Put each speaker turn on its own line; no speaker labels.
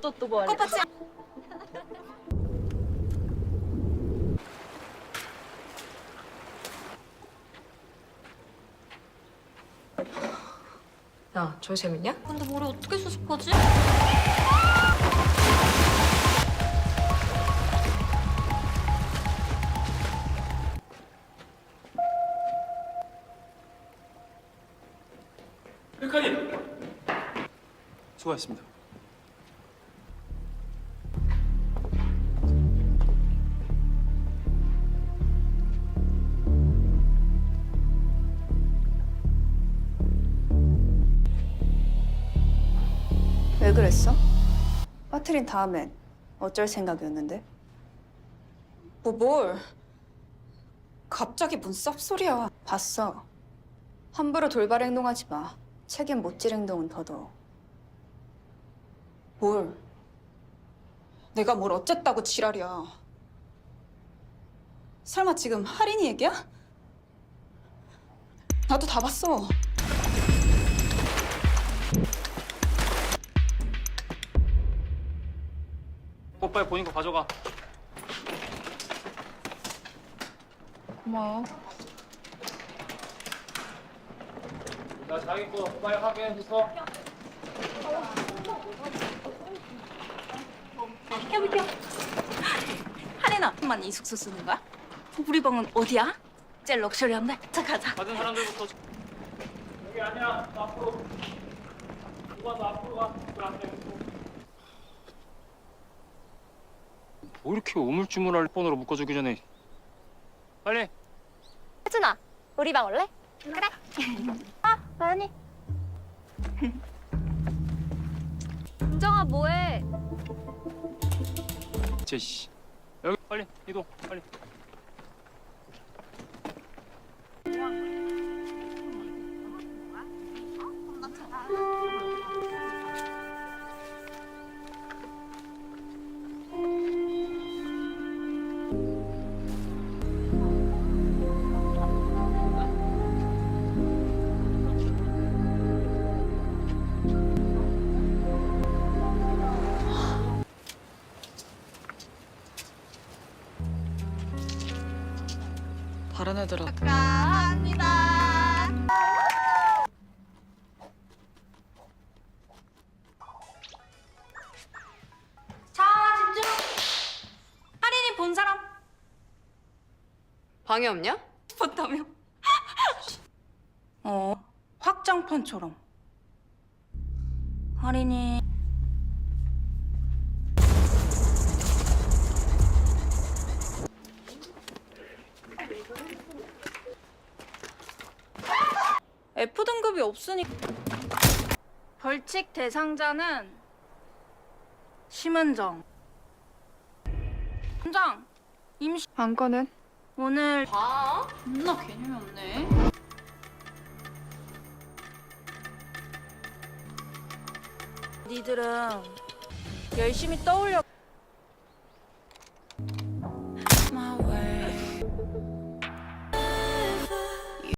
또 뭐 할래?
꽃받침.
야, 저거 재밌냐?
근데 머리 어떻게 수습하지?
백하님 수고하셨습니다.
왜 그랬어? 빠트린 다음엔 어쩔 생각이었는데?
뭘? 갑자기 뭔 쌉소리야.
봤어. 함부로 돌발 행동하지 마. 책임 못 질 행동은 더더욱.
뭘? 내가 뭘 어쨌다고 지랄이야. 설마 지금 할인이 얘기야? 나도 다 봤어.
빨리 본인 거 가져가.
고마워.
나 자기 거 빨리 확인해서.
해볼게요. 할인아만 이 숙소 쓰는 거야? 우리 방은 어디야? 제일 럭셔리한데? 자, 가자.
받은 사람들부터. 여기 아니야. 너 앞으로. 누가 너 앞으로 가. 그안 돼. 뭐 이렇게 우물쭈물할 폰으로 묶어주기 전에 빨리.
혜준아, 우리 방 올래? 그래. 아, 나연이. 은정아, 뭐해?
제씨 여기 빨리 이동 빨리.
다른 애들은
축하합니다.
자, 집중. 할인이 본 사람
방해 없냐?
봤다며? 확장판처럼. 할인이 F등급이 없으니 벌칙 대상자는 심은정. 은정, 임시
안건은?
오늘 존나 개념이 없네. 니들은 열심히 떠올려.